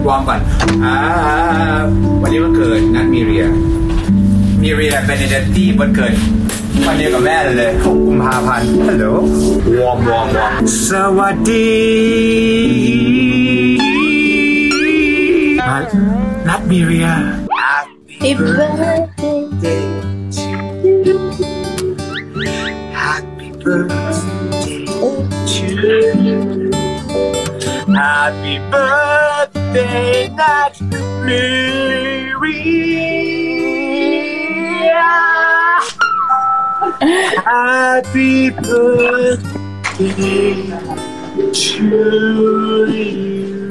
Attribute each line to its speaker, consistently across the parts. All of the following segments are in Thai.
Speaker 1: วอร์มก่อนวันนี้วันเกิดนัดมีเรียเบเนเดตตี้วันเกิดวันเดียวกับแม่เลย6 กุมภาพันธ์ฮัลโหลวอร์มสวัสดีนัดมีเรีย Happy birthday to you Happy birthday to you Happy birthday Nat Miriam Happy birthday to you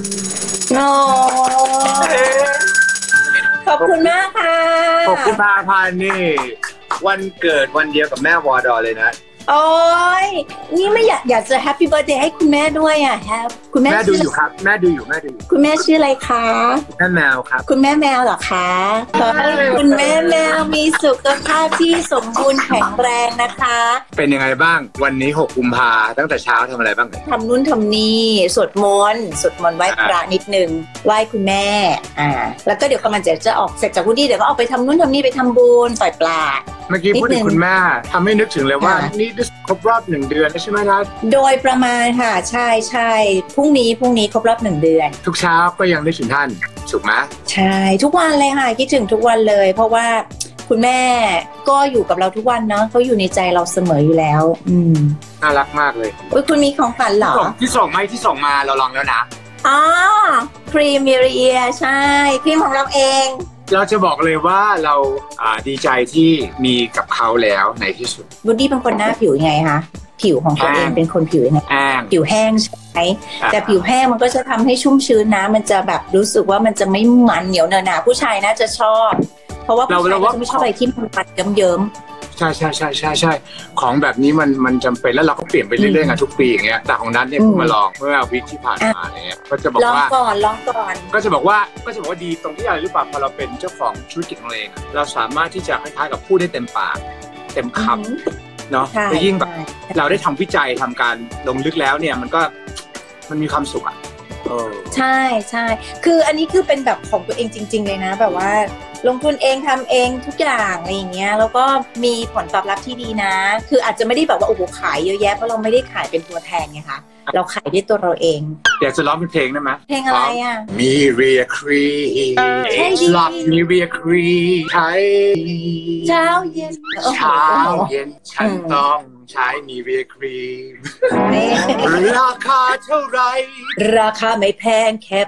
Speaker 2: ขอบคุณมากค่ะ
Speaker 1: 6 กุมภาพันธ์นี่วันเกิดวันเดียวกับแม่วอดอเลยนะ
Speaker 2: โอ้ยนี่ไม่อยากจะแฮปปี้เบิร์ธเดย์ให้คุณแม่ด้วยอ่ะคุณแม่
Speaker 1: ดูอยู่ครับแม่ดูอยู่
Speaker 2: คุณแม่ชื่ออะไรคะ
Speaker 1: แม่แมวครับ
Speaker 2: คุณแม่แมวเหรอคะขอให้คุณแม่แมวมีสุขภาพที่สมบูรณ์แข็งแรงนะคะ
Speaker 1: เป็นยังไงบ้างวันนี้6 กุมภาตั้งแต่เช้าทำอะไรบ้าง
Speaker 2: ทำนู่นทำนี่สวดมนต์ไหว้พระนิดนึงไหว้คุณแม่แล้วก็เดี๋ยวกำลังจะออกเสร็จจากวุฒิเดี๋ยวก็ออกไปทำนู่นทำนี่ไปทำบุญปล่อยปลา
Speaker 1: เมื่อกี้พูดถึงคุณแม่ทำให้นึกถึงเลยว่านี่ครบรอบ1 เดือนใช่ไหมนะ
Speaker 2: โดยประมาณค่ะใช่พรุ่งนี้ครบรอบ1 เดือน
Speaker 1: ทุกเช้าก็ยังนึกถึงท่านถูกไหม
Speaker 2: ใช่ทุกวันเลยค่ะคิดถึงทุกวันเลยเพราะว่าคุณแม่ก็อยู่กับเราทุกวันเนาะเขาอยู่ในใจเราเสมออยู่แล้ว
Speaker 1: น่ารักมากเลย
Speaker 2: คุณมีของขวัญเหรอ
Speaker 1: ที่ส่งมาเราลองแล้วนะ
Speaker 2: อ๋อครีมมิเรียใช่ครีมของเราเอง
Speaker 1: เราจะบอกเลยว่าเราดีใจที่มีกับเขาแล้วในที่สุด
Speaker 2: บูดดี้เป็นคนหน้าผิวยังไงคะผิวของตัวเองเป็นคนผิวยังไงผิวแห้งใช่ไหมแต่ผิวแห้งมันก็จะทำให้ชุ่มชื้นนะมันจะแบบรู้สึกว่ามันจะไม่มันเหนียวเนอะหนาผู้ชายน่าจะชอบเพราะว่าผู้ชายจะไม่ชอบอะไรที่มันปัดเยิ้ม
Speaker 1: ใช่ของแบบนี้มันจำเป็นแล้วเราก็เปลี่ยนไปเรื่อยๆกันทุกปีอย่างเงี้ยแต่ของนั้นเนี่ยเพิ่งมาลองเมื่อวิคที่ผ่านมาเนี่ยก็จะบอกว่า
Speaker 2: ลองก่อน
Speaker 1: ก็จะบอกว่าดีตรงที่อะไรหรือเปล่าพอเราเป็นเจ้าของธุรกิจของเราเองเราสามารถที่จะคล้ายๆกับพูดได้เต็มปากเต็มคำเนาะแต่ยิ่งแบบเราได้ทำวิจัยทำการลงลึกแล้วเนี่ยมันมีความสุขอ่ะ
Speaker 2: ใช่คืออันนี้คือเป็นแบบของตัวเองจริงๆเลยนะแบบว่าลงทุนเองทำเองทุกอย่างอะไรอย่างเงี้ยแล้วก็มีผลตอบรับที่ดีนะคืออาจจะไม่ได้แบบว่าโอ้โหขายเยอะแยะเพราะเราไม่ได้ขายเป็นตัวแทนไงคะเราขายด้วยตัวเราเอง
Speaker 1: อยากจะร้องเป็นเพลงได้ไหม
Speaker 2: เพลงอะไรอ่ะ
Speaker 1: มีเรียครีหลับมีเรียครีใช้
Speaker 2: เช้าเย็น
Speaker 1: ฉันต้องใช้มีเรียครีราคาเท่าไร
Speaker 2: ราคาไม่แพงแค่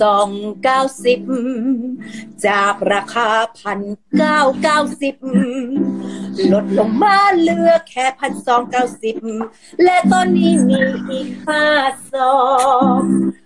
Speaker 2: 1,290จากราคา1,990ลดลงมาเหลือแค่1,290และตอนนี้มีอีก5 ซอง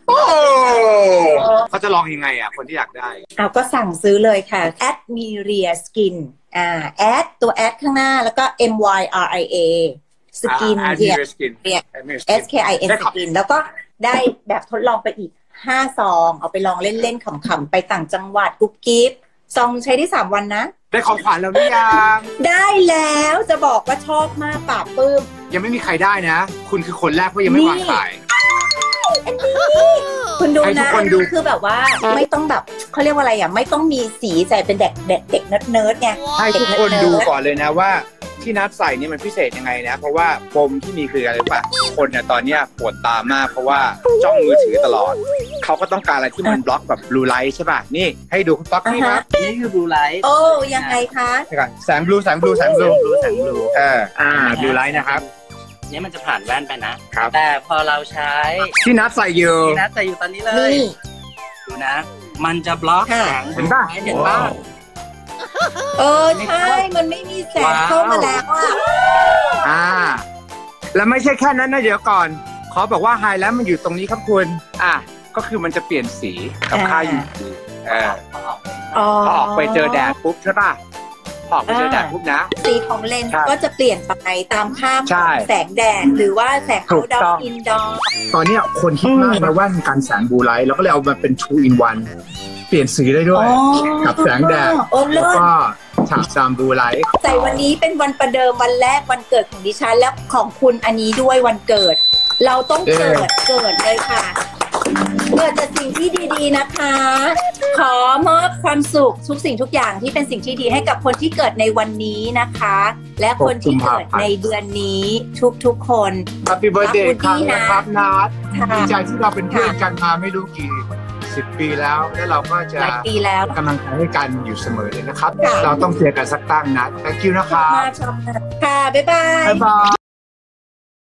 Speaker 1: เขาจะลองยังไงอ่ะคนที่อยากได้
Speaker 2: ก็สั่งซื้อเลยค่ะ @miria skin แอดตัวแอดข้างหน้าแล้วก็ MYRIA skin เนี่ย SKIN skin แล้วก็ได้แบบทดลองไปอีก5 ซองเอาไปลองเล่นๆขำๆไปต่างจังหวัดกุ๊บกิ๊บซองใช้ได้3 วันนะ
Speaker 1: ได้ของขวัญแล้วหรือยัง
Speaker 2: ได้แล้วจะบอกว่าชอบมากปราบปลื้ม
Speaker 1: ยังไม่มีใครได้นะคุณคือคนแรกเพราะยังไม่วางขาย
Speaker 2: คุณดูนะคือแบบว่าไม่ต้องแบบเขาเรียกว่าอะไรอ่ะไม่ต้องมีสีใส่เป็นเด็กเนิร์ดไง
Speaker 1: ให้ทุกคนดูก่อนเลยนะว่าที่นัดใส่นี่มันพิเศษยังไงนะเพราะว่าปมที่มีคืออะไรป่ะคนเนี่ยตอนนี้ปวดตามากเพราะว่าจ้องมือถือตลอดเขาก็ต้องการอะไรที่มันบล็อกแบบบลูไลท์ใช่ป่ะนี่ให้ดูบล็อกนี่นะนี่คือบลูไลท์
Speaker 2: โอ้ยังไงคะ
Speaker 1: แสงบลูบลูไลท์นะครับ
Speaker 3: นี่มันจะผ่านแว่นไปนะแต่พอเราใช้
Speaker 1: ที่นัดใส่อยู่
Speaker 3: ตอนนี้เลยดูนะมันจะบล็อกแสง
Speaker 1: เห็นป่ะ
Speaker 2: ใช่มันไม่มีแสงเข้ามาแล้ว
Speaker 1: แล้วไม่ใช่แค่นั้นนะเดี๋ยวก่อนขอบอกว่าไฮไลท์มันอยู่ตรงนี้ครับคุณก็คือมันจะเปลี่ยนสีกับค่า UV พอออกไปเจอแดดปุ๊บใช่ป่ะพอออกไปเจอแดดปุ๊บนะ
Speaker 2: สีของเลนส์ก็จะเปลี่ยนไปตามค่าแสงแดดหรือว่าแสงเอาท์ดอร์อินดอร์
Speaker 1: ตอนนี้คนคิดมากนะว่าการแสงบลูไลท์แล้วก็เลยเอามาเป็น 2 in 1เปลี่ยนสีได้ด้วยกับแสงแดดแล้วก็ฉากซามบลูไลท์
Speaker 2: แต่วันนี้เป็นวันประเดิมวันแรกวันเกิดของดิฉันและของคุณอันนี้ด้วยวันเกิดเราต้องเกิดเลยค่ะเกิดจากสิ่งที่ดีๆนะคะ ขอมอบความสุขทุกสิ่งทุกอย่างที่เป็นสิ่งที่ดีให้กับคนที่เกิดในวันนี้นะคะ และคนที่เกิดในเดือนนี้ทุกๆคน
Speaker 4: Happy Birthday ครับนัด
Speaker 2: ค่ะ
Speaker 4: ดีใจที่เราเป็นเพื่อนกันมาไม่รู้กี่10 ปีแล้วเราก็จะ
Speaker 2: หลายปีแล้ว
Speaker 4: กำลังใจให้กันอยู่เสมอเลยนะครับ
Speaker 2: ค่ะ
Speaker 4: เราต้องเคลียร์กันสักตั้งนะ thank you นะครับ
Speaker 2: ชอบมากค่ะ บ๊ายบาย
Speaker 4: บ๊ายบาย